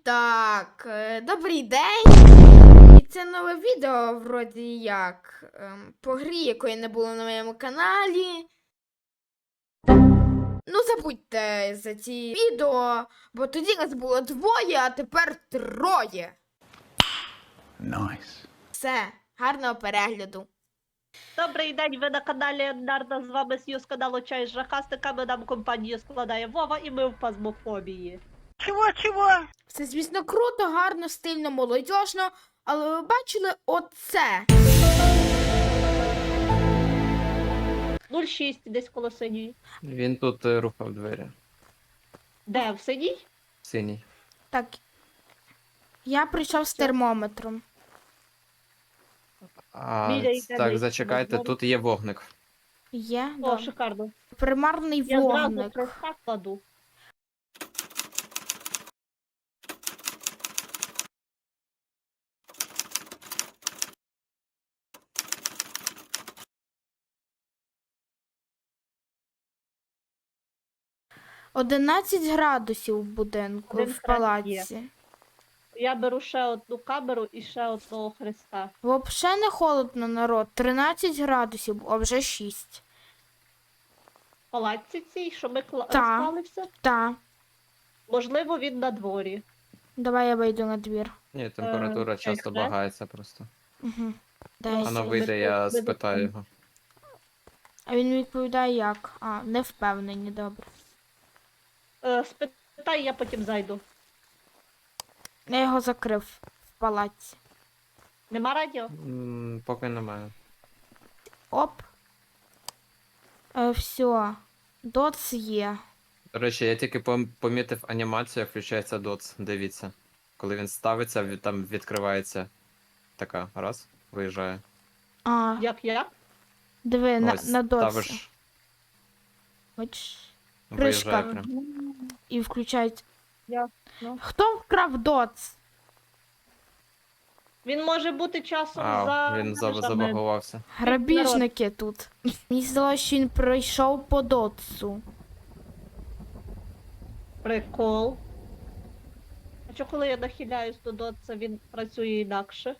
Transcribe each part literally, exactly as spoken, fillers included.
Так, е, добрий день. І це нове відео, вроді як, ем, по грі, якої не було на моєму каналі. Ну, забудьте за ці відео, бо тоді нас було двоє, а тепер троє. Nice. Все, гарного перегляду. Добрий день, ви на каналі Нарда, з вами Сью з каналу Чай з жахастиками, нам компанію складає Вова і ми в пазмофобії. Чого-чого? Все, звісно, круто, гарно, стильно, молодіжно, але ви бачили оце? нуль шість, десь коло синьої. Він тут е, рухав двері. Де, в синій? Синій. Так, я прийшов з термометром. А, Біля ц- йде так, десь, зачекайте, можливо. тут є вогник. Є, О, да. шикарно. Примарний Я зразу вогник. хреста кладу. одинадцять градусів в будинку, Один в хрест палаці. Я беру ще одну камеру і ще одного хреста. Взагалі не холодно, народ. тринадцять градусів, а вже шість. В палаці цій, що ми кла... Та. склали все? Та, Можливо, він на дворі. давай я вийду на двір. Ні, температура Е, часто так, багається просто. Угу. Дай. Ну, Воно ми вийде, тут- я ми тут спитаю там. його. А він відповідає як? А, не впевнені, добре. Е, спитай, я потім зайду. Я його закрив в палаці. Нема радіо? М, Поки немає. Оп. Е, все. Доц є. До речі, я тільки пом- помітив анімацію, як включається доц. Дивіться. Коли він ставиться, від- там відкривається така. Раз, виїжджає. А, Як я? диви, на, Ось, на доці. ставиш, Бачиш? виїжджає Кришка. прям. І включають. Ясно. Хто вкрав доц? Він може бути часом А, за він за- межами. забагувався. Грабіжники тут. Мені здалося, що він пройшов по доцу. Прикол. А що коли я нахиляюсь до дотса, він працює інакше?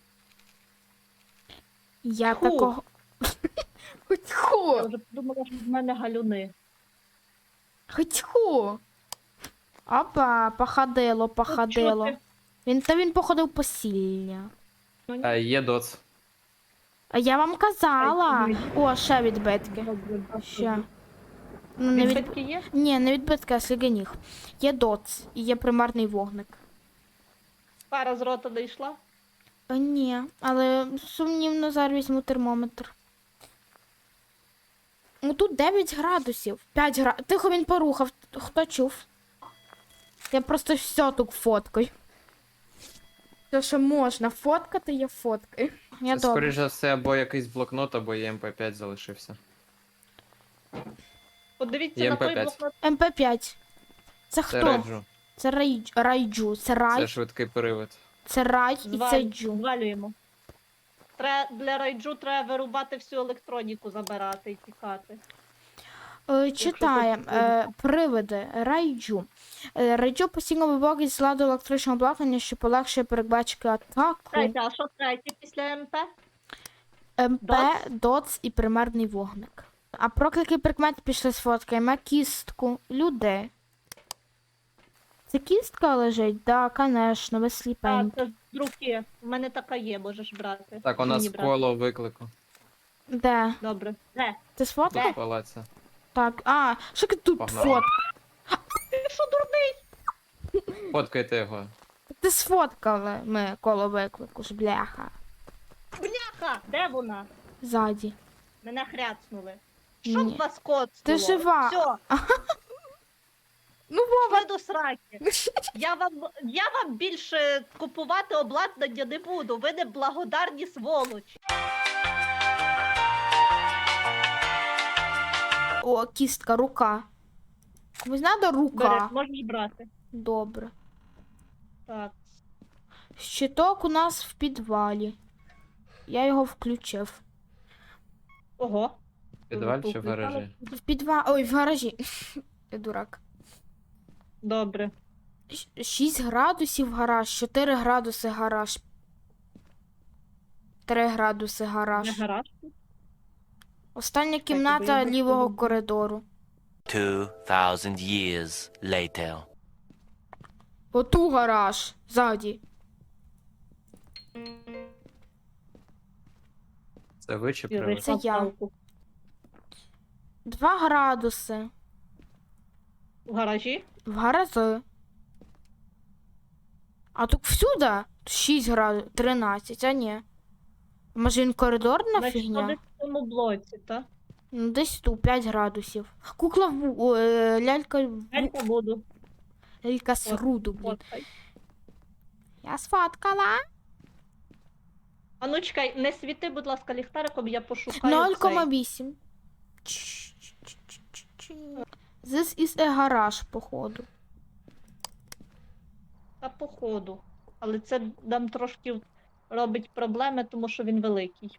Я Ху. такого. Хоч Я ху! вже подумала, що в мене галюни. Хоч ху! Опа, походило, походило. чути. Він та він походив по сілля. Ну, ні. А, є доц. А я вам казала. Ай, О, ще відбитки. Добре, добре. Ще. Ну, не від... Відбитки є? Ні, не відбитки, а сліганіг. Є доц і є примарний вогник. Пара з рота не йшла? А, ні, але сумнівно зараз візьму термометр. Ну тут дев'ять градусів. п'ять градусів. Тихо він порухав. Хто чув? Я просто все тут фоткаю. Все, що можна фоткати, я фоткаю. Я Це, добре. скоріш за все, або якийсь блокнот, або є ем пе п'ять залишився. Подивіться Є на той ем пе п'ять. блокнот. ем пе п'ять. Це Це хто? реджу. Це рай... райджу. Це рай, Це це, швидкий привид. рай і Зваль- це джу. Звалюємо. Тре... Для райджу треба вирубати всю електроніку, забирати і тікати. Е, Читаємо. хочеш Е, привиди. Райджу. Е, Райджу постійно виводить з ладу електричного обладнання, що полегшує передбачити атаку. Третє, а що третє після МП? ем пе, Доц? доц і примарний вогник. А проклики прикмет пішли з фотками. Кістку. Люди. Це кістка лежить? Да, конечно, ви А, сліпенькі. це з руки. У мене така є, можеш брати. Так, у нас Мені брати. коло виклику. Де? Добре. Де? Ти сфоткав? Тут в палаці. Так. А, що ти тут Погнали. фот? Ти що, дурний? Фоткайте його. Ти сфоткали ми коло виклику ж, бляха. Бляха! Де вона? Ззаді. Мене хряцнули. Ні. Щоб вас коцнуло. Ти жива. Все, Ну, Вова. ви до сраки. Я вам, я вам більше купувати обладнання не буду. Ви не благодарні сволочі. О, кістка, рука. Комусь надо рука. Береш, можеш брати. Добре. Так. Щиток у нас в підвалі. Я його включив. Ого. В підвалі чи в гаражі? В підвалі. Ой, в гаражі. Я дурак. Добре. шість градусів гараж, чотири градуси гараж. три градуси Не гараж. гараж. Остання бо кімната я лівого бачила. коридору. Two thousand years later. Оту гараж. Ззаді. Це ви чи І привид? вийшла Це я. в палку. два градуси. В гаражі? В гарази. А тут всюди шість градусів, тринадцять, а ні. Може він коридорна Значить, фігня? десь в цьому блоці, так? Ну, десь тут п'ять градусів. Кукла в ву- о, е, лялька в Я ву- буду. лялька з руду, блін. Фоткай. Я сфоткала. А ну чекай, не світи, будь ласка, ліхтариком, я пошукаю нуль цей. кома вісім. This is a garage, походу. Та походу. Але це нам трошки робить проблеми, тому що він великий.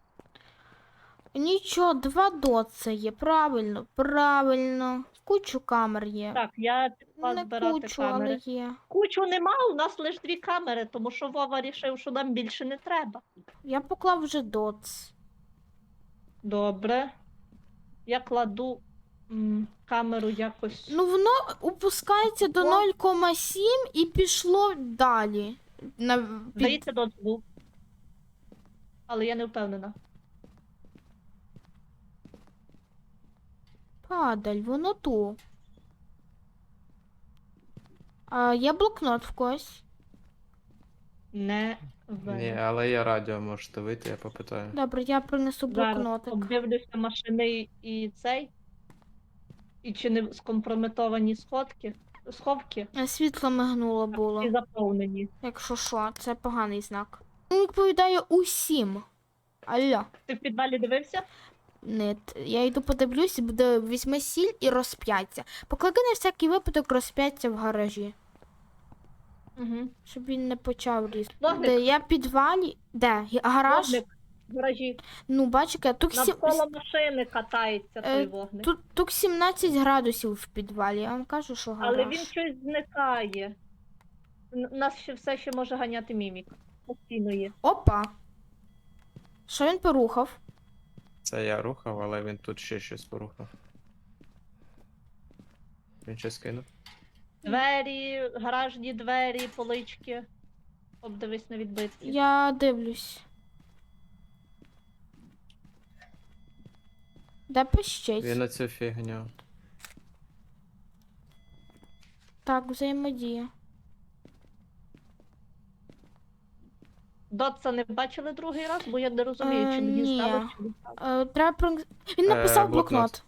Нічого, два доци є. Правильно, правильно. Кучу камер є. Так, я пішла Не збирати кучу, камери. але є. Кучу нема, у нас лише дві камери, тому що Вова рішив, що нам більше не треба. Я поклав вже доц. Добре. Я кладу м, камеру якось. Ну, воно опускається до О. нуль кома сім і пішло далі. На, під... Здається, доц був. Але я не впевнена. Падаль, воно ту. А, є блокнот в когось. Не Ні, впевнена. але я радіо, можете вийти, я попитаю. Добре, я принесу Зараз блокнотик. обдивлюся машини і цей. І чи не скомпрометовані сходки, сховки Е, Світло мигнуло було. і заповнені. Якщо що, це поганий знак. Він відповідає усім. Алло. Ти в підвалі дивився? Нет, я йду подивлюсь, буде візьми сіль і розп'яття. Поклади на всякий випадок розп'яття в гаражі, Угу. щоб він не почав різти. Вогник. Де я в підвалі? Де? Гі- Гараж? Вогник в гаражі. Ну, бачите, тут, сі... Навколо машини катається той Е, вогник. тут, тут сімнадцять градусів в підвалі, я вам кажу, що гараж. Але він щось зникає. Н- Нас ще все ще може ганяти мімік. Постійно є. Опа! Що він порухав? Це я рухав, але він тут ще щось порухав. Він щось кинув. Двері, гаражні двері, полички. Обдивись на відбитки. Я дивлюсь. Де пищить? Він на цю фігню. Так, взаємодія. Дотса не бачили другий раз, бо я не розумію, Е, чи мені ні. здалося, чи не здалося. Е, треба про... Він написав Е, блокнот. блокнот.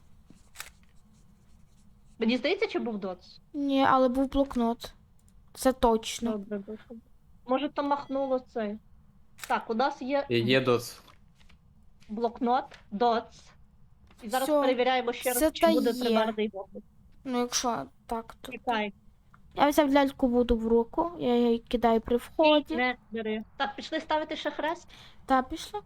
Мені здається, чи був Дотс? Ні, але був блокнот. Це точно. Добре, добре. Може, то махнуло це. Так, у нас є І є доц. блокнот, Дотс. І зараз Всьо. перевіряємо ще Це раз, чи та буде є. тримарний вогник. Ну, якщо так, то. Чекай, Я взяв ляльку воду в руку, я її кидаю при вході. не бери. Так, пішли ставити ще хрест. Та пішла.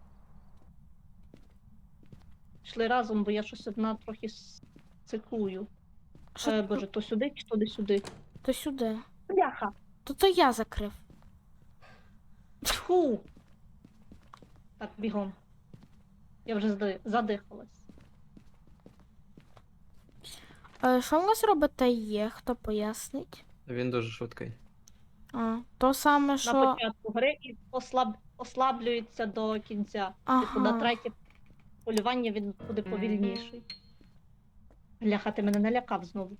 Пішли разом, бо я щось одна трохи с- цикую. Що Е, тут? боже, то сюди чи туди сюди. То сюди. Бляха! То то я закрив. Фу! Так, бігом. Я вже зди- задихалась. Е, що в нас робите є? Хто пояснить? Він дуже швидкий. А, то саме, На що. початку гри і послаб... ослаблюється до кінця. Типу на Ага. третє полювання він буде повільніший. Бляха, ти мене налякав знову.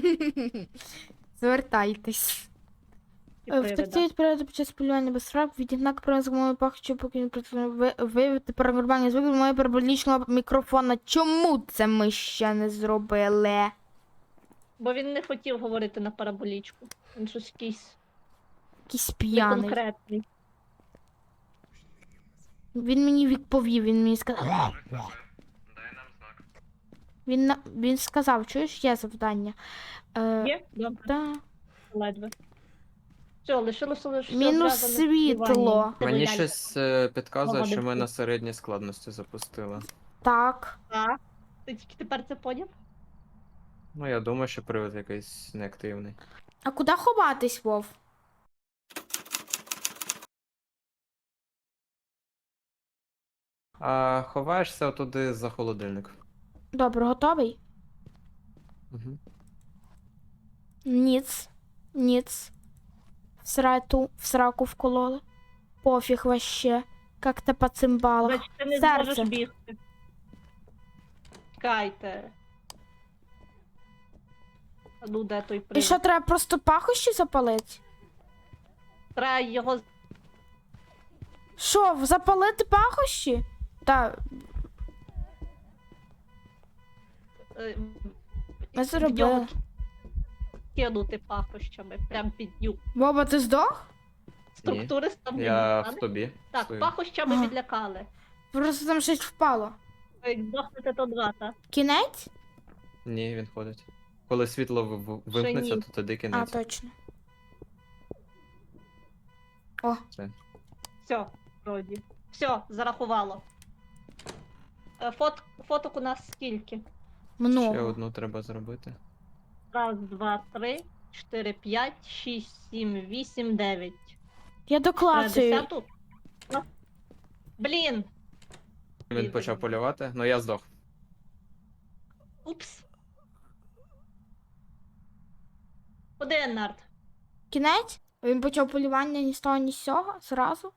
Звертайтесь. Ті Е, привида. Втекти від переду під час полювання без фраг, відігнак принципової пахчу, поки він працює виявити паранормальні звуки з моєї параболічного мікрофона. Чому це ми ще не зробили? Бо він не хотів говорити на параболічку. Він щось якийсь Якийсь п'яний. неконкретний. Він мені відповів, він мені сказав. Дай нам знак. Він, на- він сказав, чуєш, є завдання. Е, Є? Добре, да. ледве. Все, лишилося лише Мінус зв'язане з світло. співанням. Мені Лялька. щось е, підказує, Ага, що ми дивись. на середній складності запустили. Так. Так. Ти тільки тепер це поняв? Ну, я думаю, що привид якийсь неактивний. А куди ховатись, Вов? А ховаєшся отуди за холодильник. Добре, готовий? Угу. Ніц. Ніц. В срату, в сраку вкололи. Пофіг вообще. Как-то по цимбалах. Значить, ти не Серце. зможеш бігти. Чекайте. А ну, де той І привид? що, треба просто пахощі запалити? Треба його... Що, запалити пахощі? Та, е, ми в зробили. нього кинути пахощами, прям під нюк. Боба, ти здох? Структури ставлення. Я стане? в тобі. Так, стою. пахощами Ага. відлякали. Просто там щось впало. Ви Як здохнете, то два, та? Кінець? Ні, він ходить. Коли світло в- в- вимкнеться, ні. то тоді А, кінець. точно. О, Все. Все, вроді. Все, зарахувало. Е, Фот... Фоток у нас скільки? Ще много. одну треба зробити. Раз, два, три, чотири, п'ять, шість, сім, вісім, дев'ять. Я Е, доклацаю. Десяту? Ну, Блін! Він почав полювати, ну я здох. Упс. Куди Нарт? Кінець? Він почав полювання ні з того, ні з сього, зразу.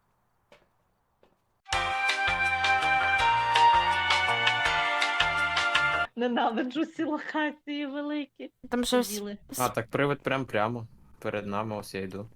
Ненавиджу ці локації великі. Там щось. Діли. А, так привид прям прямо. Перед нами, ось я йду.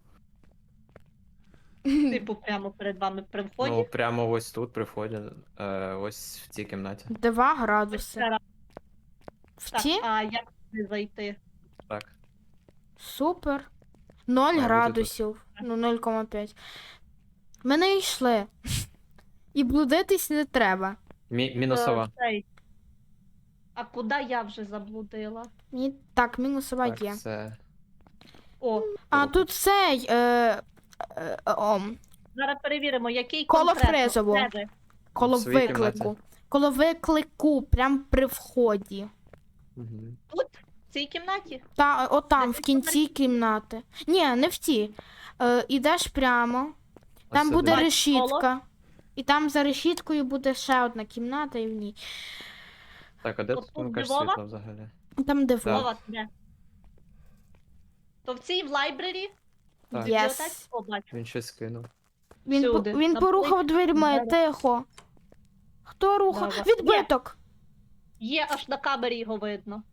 Типу прямо перед вами при вході. Ну, прямо ось тут при вході. Е, ось в цій кімнаті. Два градуси. В Так, ті? а як туди зайти? Так. Супер. Ноль бути градусів. Ну, нуль кома п'ять. Ми не йшли. І блудитись не треба. Мі- мінусова. Е, цей. А куди я вже заблудила? Мені так, мінусова Так, є. це... О, А тут цей. Е, е, е, ом, зараз перевіримо, який Коло конкретно. Фрезово. Де ви? коло В своїй виклику. кімнаті. Коло виклику, прям при вході. Мгм. Тут? В цій кімнаті? Та, отам, Де в ти кінці кімнати. Ні, не в тій. Е, ідеш прямо, там Ось буде сюди. решітка. І там за решіткою буде ще одна кімната, і в ній. Так, а де От тут тут вмикаєш Львова? світло взагалі? Там де Так. Вова, де? То в цій в лайбрері? В Так. бібліотеці? Yes. О, бачу. Він щось скинув. Він, по- Всюди. він На порухав плиті, дверьми, на- тихо. Хто рухав? Давай. Відбиток. Є, аж на камері його видно.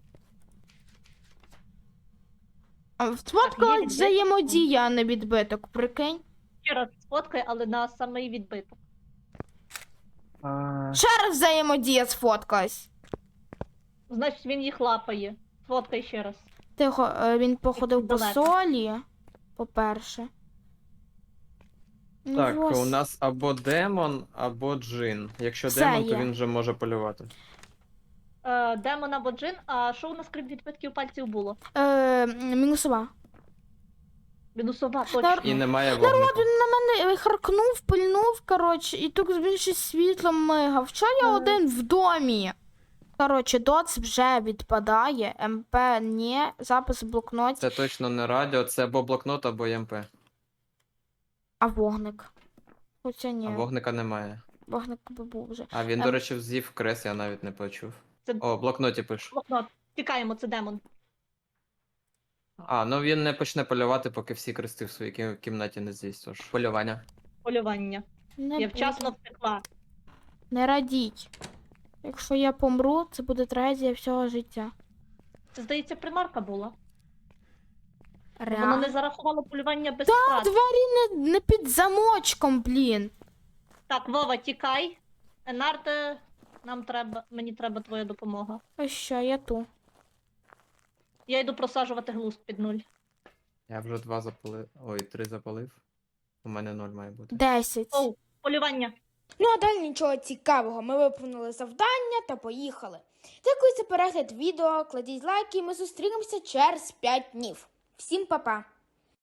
А, є Сфоткалась відбиток. взаємодія, а не відбиток, прикинь. Ще раз сфоткай, але на самий відбиток. А... Ще раз взаємодія сфоткалась. Значить, він їх лапає. Сфоткай ще раз. Тихо, е, він походив по далеко. солі, по-перше. Ну, Так, ось. у нас або демон, або джин. Якщо Все демон, є. то він вже може полювати. Е, демон або джин, а що у нас крім відбитків пальців було? Е, мінусова. Мінусова, точно. Нар- І немає вогнику. Він на мене е, харкнув, пильнув, коротше, і тут він ще світлом мигав. Що я Ага. один в домі? Коротше, доц вже відпадає, МП ні, запис в блокноті, Це точно не радіо, це або блокнот, або ЄМП. а вогник. Хоча ні, А вогника немає. вогник би був вже. А він, Ем. до речі, з'їв крес, я навіть не почув. Це О, в блокноті пишу. блокнот. Тікаємо, це демон. А, ну він не почне полювати, поки всі крести в своїй кі- кімнаті не з'їсть. Тож полювання. Полювання. Не Я вчасно буду. втекла. Не радіть. Якщо я помру, це буде трагедія всього життя. Це, здається, примарка була. Воно Реально. не зарахувало полювання без Та, втрат. двері не, не під замочком, блін. Так, Вова, тікай. Енарте, нам треба, мені треба твоя допомога. А що, я ту. Я йду просаджувати глузд під нуль. Я вже два запалив. Ой, три запалив. У мене ноль має бути. Десять. Оу, полювання. Ну, а далі нічого цікавого. Ми виповнили завдання та поїхали. Дякую за перегляд відео, кладіть лайки, і ми зустрінемося через п'ять днів. Всім па-па!